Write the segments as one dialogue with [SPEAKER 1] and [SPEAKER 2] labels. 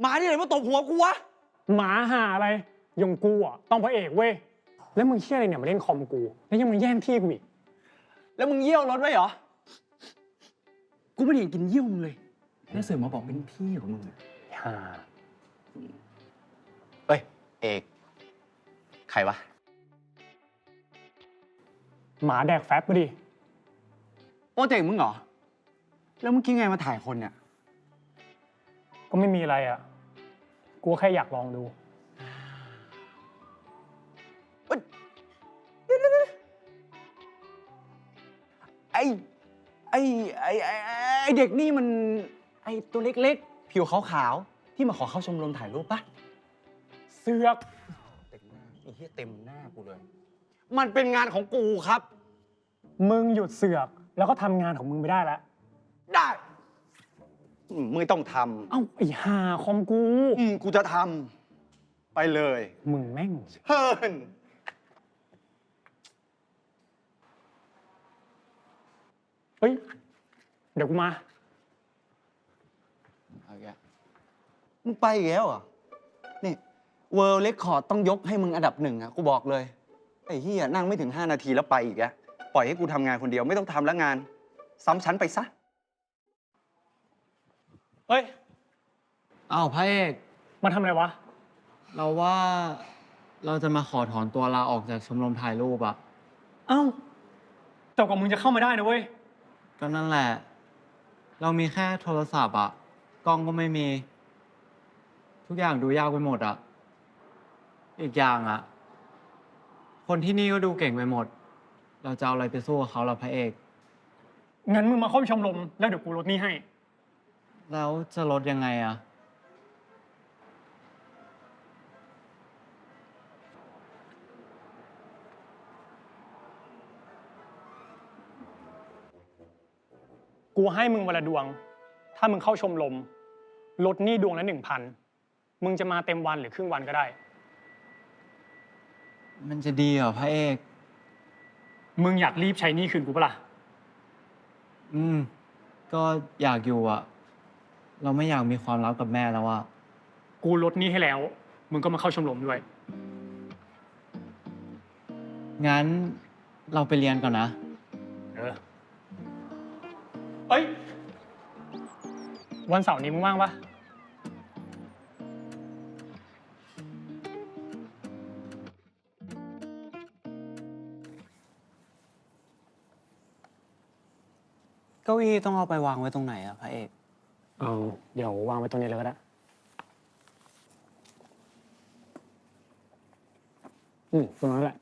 [SPEAKER 1] มาที่ไหนมาตบหัวกูวะ
[SPEAKER 2] หมาหาอะไรอย่างกูอ่ะต้องพระเอกเว้ยแล้วมึงเชี่ยอะไรเนี่ยมาเล่นคอมกูแล้วยังมาแย่งที่กูอีก
[SPEAKER 1] แล้วมึงเยี่ยวรถไว้เหรอกูไม่ได้เห็นกินเยี่ยวมึงเลยแล้วเสือมาบอกเป็นพี่ของมึง
[SPEAKER 2] ฮ่า
[SPEAKER 1] เอ้ยเอกใครวะ
[SPEAKER 2] หมาแดกแฟบมาดิ
[SPEAKER 1] โปรเจกต์มึงเหรอแล้วมึงคิดไงมาถ่ายคนเนี่ย
[SPEAKER 2] ก็ไม่มีอะไรอ่ะกูแค่อยากลองดู
[SPEAKER 1] ไอเด็กนี่มันไอตัวเล็กๆผิวขาวๆที่มาขอเข้าชมรมถ่ายรูปปะ
[SPEAKER 2] เสือก
[SPEAKER 1] เต็มหน้าไอ้เหี้ยเต็มหน้ากูเลยมันเป็นงานของกูครับ
[SPEAKER 2] มึงหยุดเสือกแล้วก็ทำงานของมึงไปได้แล้ว
[SPEAKER 1] ได้มึงต้องท
[SPEAKER 2] ำเอ้าไอ้ห่าคอมกู
[SPEAKER 1] กูจะทำไปเลย
[SPEAKER 2] มึงแม่ง
[SPEAKER 1] เฮิร์น
[SPEAKER 2] เฮ้ยเดี๋ยวกูมา
[SPEAKER 1] โอเคมึงไปอีกแล้วเหรอนี่เวิลด์เรคคอร์ดต้องยกให้มึงอันดับ1อ่ะกูบอกเลยไอ้เหี้ยนั่งไม่ถึง5 นาทีแล้วไปอีกอะปล่อยให้กูทำงานคนเดียวไม่ต้องทำแล้วงานซ้ำชั้นไปซะ
[SPEAKER 2] เฮ้ย
[SPEAKER 3] อ้าวพระเอก
[SPEAKER 2] มาทำอะไรวะ
[SPEAKER 3] เราว่าเราจะมาขอถอนตัวลาออกจากชมรมถ่ายรูปอะ
[SPEAKER 2] เอ้าแต่กว่ามึงจะเข้ามาได้นะเว้ย
[SPEAKER 3] ก็นั่นแหละเรามีแค่โทรศัพท์อะกล้องก็ไม่มีทุกอย่างดูยากไปหมดอะอีกอย่างอะคนที่นี่ก็ดูเก่งไปหมดเราจะเอาอะไรไปสู้กับเขาล่ะพระเอก
[SPEAKER 2] งั้นมึงมาเข้าชมรมแล้วเดี๋ยวกูลดหนี้ให้
[SPEAKER 3] แล้วจะลดยังไงอะ
[SPEAKER 2] กูให้มึงวันละดวงถ้ามึงเข้าชมรมลดหนี้ดวงละ 1,000มึงจะมาเต็มวันหรือครึ่งวันก็ได้
[SPEAKER 3] มันจะดีเหรอพระเอก
[SPEAKER 2] มึงอยากรีบใช้หนี้คืนกูปะล่ะ
[SPEAKER 3] ก็อยากอยู่อะเราไม่อยากมีความลับกับแม่แล้วอะ
[SPEAKER 2] กูลดหนี้ให้แล้วมึงก็มาเข้าชมรมด้วย
[SPEAKER 3] งั้นเราไปเรียนก่อนนะ
[SPEAKER 2] เอ้ยวันเสาร์นี้มึงว่างปะ
[SPEAKER 3] เก้าอี้ต้องเอาไปวางไว้ตรงไหนอะพระเอก
[SPEAKER 2] เดี๋ยววางไว้ตรงนี้เลยก็ได้ตรงนั้นแหละ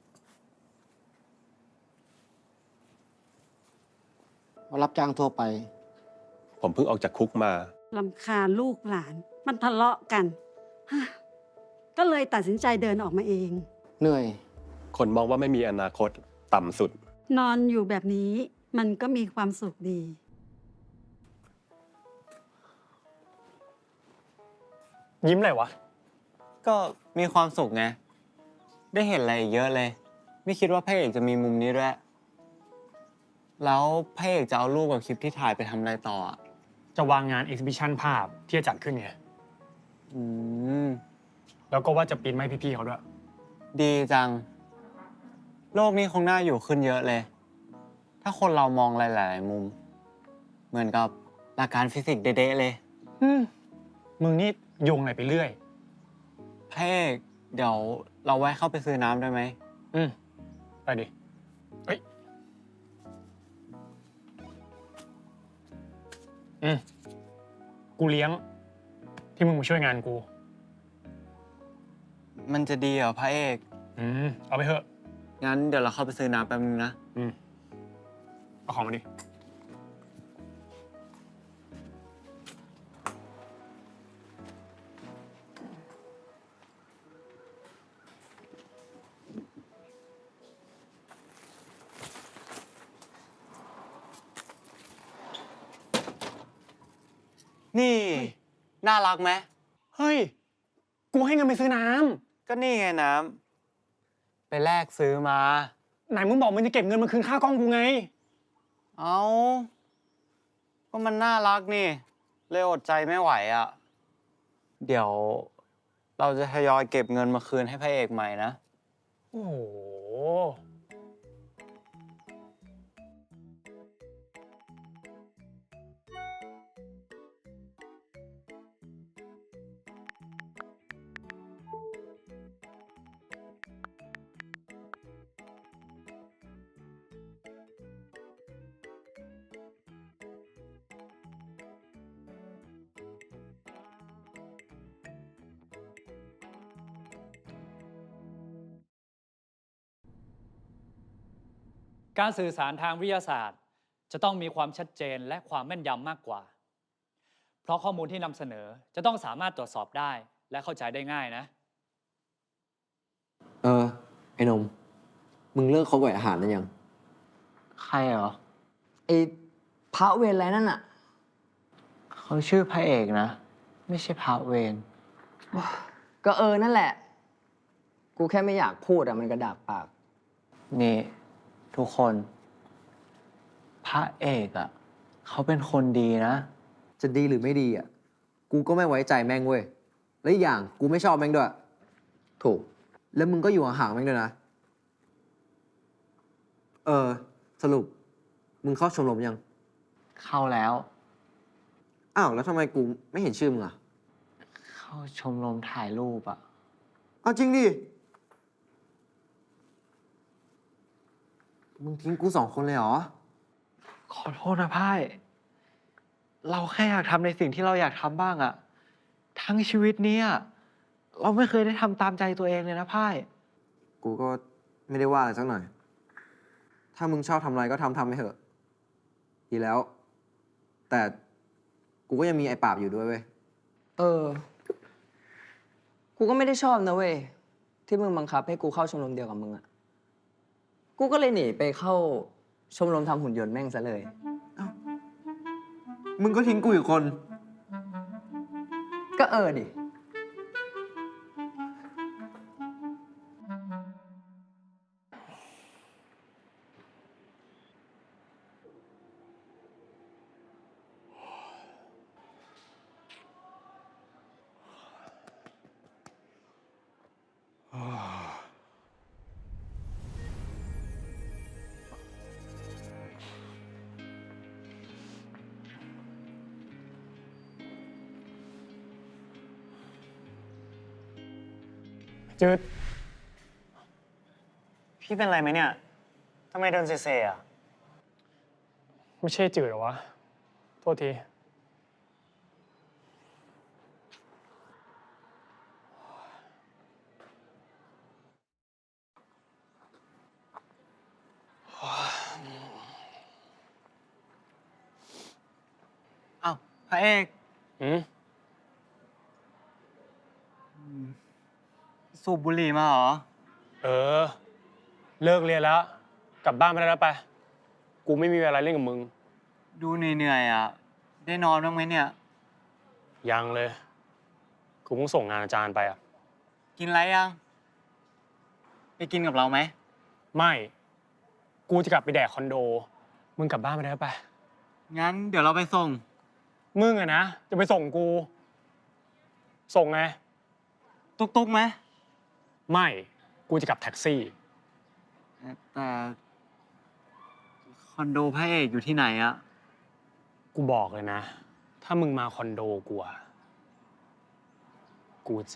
[SPEAKER 4] รับจ้างทั่วไป
[SPEAKER 5] ผมเพิ่งออกจากคุกมาร
[SPEAKER 6] ำคาญลูกหลานมันทะเลาะกันก็เลยตัดสินใจเดินออกมาเอง
[SPEAKER 4] เหนื่อย
[SPEAKER 5] คนมองว่าไม่มีอนาคตต่ำสุด
[SPEAKER 6] นอนอยู่แบบนี้มันก็มีความสุขดี
[SPEAKER 2] ยิ้มอะไรวะ
[SPEAKER 3] ก็มีความสุขไงได้เห็นอะไรเยอะเลยไม่คิดว่าพระเอกจะมีมุมนี้ด้วยแล้วพระเอกจะเอารูปกับคลิปที่ถ่ายไปทำอะไรต่อ
[SPEAKER 2] จะวางงาน exhibition ภาพที่จะจัดขึ้นไงแล้วก็ว่าจะปริ้นให้พี่ๆเขาด้วย
[SPEAKER 3] ดีจังโลกนี้คงน่าอยู่ขึ้นเยอะเลยถ้าคนเรามองหลายๆมุมเหมือนกับหลักการฟิสิกส์เด๊ะๆเลย
[SPEAKER 2] มึงนี่โยงอะไรไปเรื่อย
[SPEAKER 3] พระเอกเดี๋ยวเราแวะเข้าไปซื้อน้ำได้ไหม
[SPEAKER 2] ไปดิเฮ้ยกูเลี้ยงที่มึงมาช่วยงานกู
[SPEAKER 3] มันจะดีเหรอพระเอก
[SPEAKER 2] เอาไปเถอะ
[SPEAKER 3] งั้นเดี๋ยวเราเข้าไปซื้อน้ำแป๊บนึงนะ
[SPEAKER 2] เอาของมาดิ
[SPEAKER 3] นี่น่ารักไหม
[SPEAKER 2] เฮ้ยกูให้เงินไปซื้อน้
[SPEAKER 3] ำก็นี่ไงน้ำไปแลกซื้อมา
[SPEAKER 2] ไหนมึงบอกมึงจะเก็บเงินมาคืนค่ากล้องกูไง
[SPEAKER 3] เอาก็มันน่ารักนี่เลยอดใจไม่ไหวอ่ะเดี๋ยวเราจะทยอยเก็บเงินมาคืนให้พระเอกใหม่นะ
[SPEAKER 2] โอ้โห
[SPEAKER 7] การสื่อสารทางวิทยาศาสตร์ จะต้องมีความชัดเจนและความแม่นยำมากกว่า เพราะข้อมูลที่นำเสนอจะต้องสามารถตรวจสอบได้และเข้าใจได้ง่ายนะ
[SPEAKER 8] ไอ้นม มึงเลิกคบกับอาหารนั่นยัง
[SPEAKER 3] ใครเหรอ
[SPEAKER 8] ไอ้พระเวรอะไรนั่นอะ
[SPEAKER 3] เขาชื่อพระเอกนะ ไม่ใช่พระเวร
[SPEAKER 8] ก็นั่นแหละ กูแค่ไม่อยากพูดอะมันกระดากปาก
[SPEAKER 3] นี่ ทุกคน พระเอกอะเขาเป็นคนดีนะ
[SPEAKER 8] จะดีหรือไม่ดีอะกูก็ไม่ไว้ใจแม่งเว้ย และอีกอย่างกูไม่ชอบแม่งด้วย ถูก แล้วมึงก็อยู่ห่างๆแม่งด้วยนะ สรุป มึงเข้าชมรมยัง
[SPEAKER 3] เข้าแล้ว
[SPEAKER 8] อ้าว แล้วทำไมกูไม่เห็นชื่อมึงอะ
[SPEAKER 3] เข้าชมรมถ่ายรูปอะ
[SPEAKER 8] เอาจริงดิ มึงทิ้งกู2 คนเลยเหรอ
[SPEAKER 3] ขอโทษนะพ่าย เราแค่อยากทำในสิ่งที่เราอยากทำบ้างอะทั้งชีวิตเนี้ยเราไม่เคยได้ทำตามใจตัวเองเลยนะพ่าย
[SPEAKER 8] กูก็ไม่ได้ว่าอะไรสักหน่อย ถ้ามึงชอบทำอะไรก็ทำไปเถอะ ดีแล้ว แต่กูก็ยังมีไอ้ปราบอยู่ด้วยเว้ย
[SPEAKER 9] กูก็ไม่ได้ชอบนะเว้ย ที่มึงบังคับให้กูเข้าชมรมเดียวกับมึงอะกูก็เลยหนีไปเข้าชมรมทำหุ่นยนต์แม่งซะเลย
[SPEAKER 8] มึงก็ทิ้งกูอีกคน
[SPEAKER 9] ก็ดิ
[SPEAKER 2] จืด
[SPEAKER 3] พี่เป็นไรไหมเนี่ยทำไมเดินเซๆอะ
[SPEAKER 2] ไม่ใช่จืดเหรอวะ โทษที
[SPEAKER 3] อ้าวพระเอก
[SPEAKER 2] อืม
[SPEAKER 3] สูบบุหรี่มาเหรอ
[SPEAKER 2] เออ เลิกเรียนแล้ว กลับบ้านไปได้แล้วไป กูไม่มีเวลาเล่นกับมึง
[SPEAKER 3] ดูเหนื่อยๆอะได้นอนบ้างไหมเนี่ย
[SPEAKER 2] ยังเลย กูเพิ่งส่งงานอาจารย์ไปอ่ะ
[SPEAKER 3] กินอะไรยัง ไปกินกับเราไหม
[SPEAKER 2] ไม่ กูจะกลับไปแดกคอนโด มึงกลับบ้านไปได้แล้วไป
[SPEAKER 3] งั้นเดี๋ยวเราไปส่ง
[SPEAKER 2] มึงอะนะ จะไปส่งกู ส่งไง
[SPEAKER 3] ตุกๆไหม
[SPEAKER 2] ไม่ กูจะกลับแท็กซี่
[SPEAKER 3] แต่คอนโดพระเอกอยู่ที่ไหนอะ
[SPEAKER 2] กูบอกเลยนะ ถ้ามึงมาคอนโดกูอะกูจะ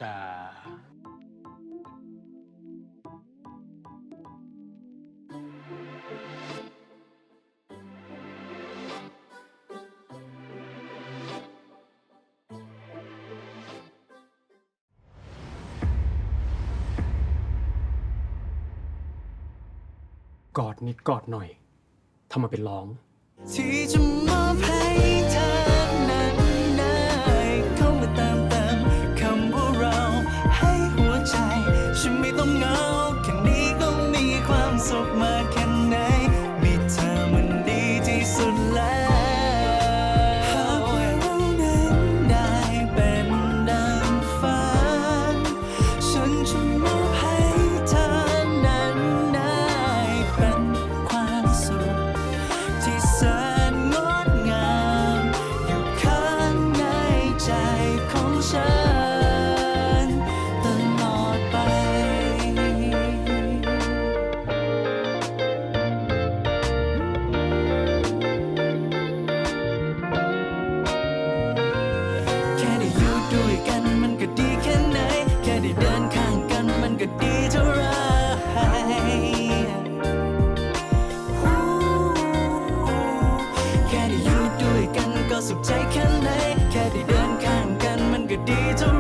[SPEAKER 2] กอดนิดกอดหน่อย ทำมาเป็นร้อง
[SPEAKER 10] ที่จะมอบให้เธอนั้นได้เข้ามาเติมคำว่าเราให้หัวใจ ฉันไม่ต้องเหงาแค่นี้ก็มีความสุขมากแค่ไหนมีเธอมันดีที่สุดแล้วหากว่าเรานั้นได้เป็นดังฝันฉันจะมอบให้เธอนั้นได้เป็นความสุขที่แสนงดงามอยู่ข้างในใจของฉันดีเท่า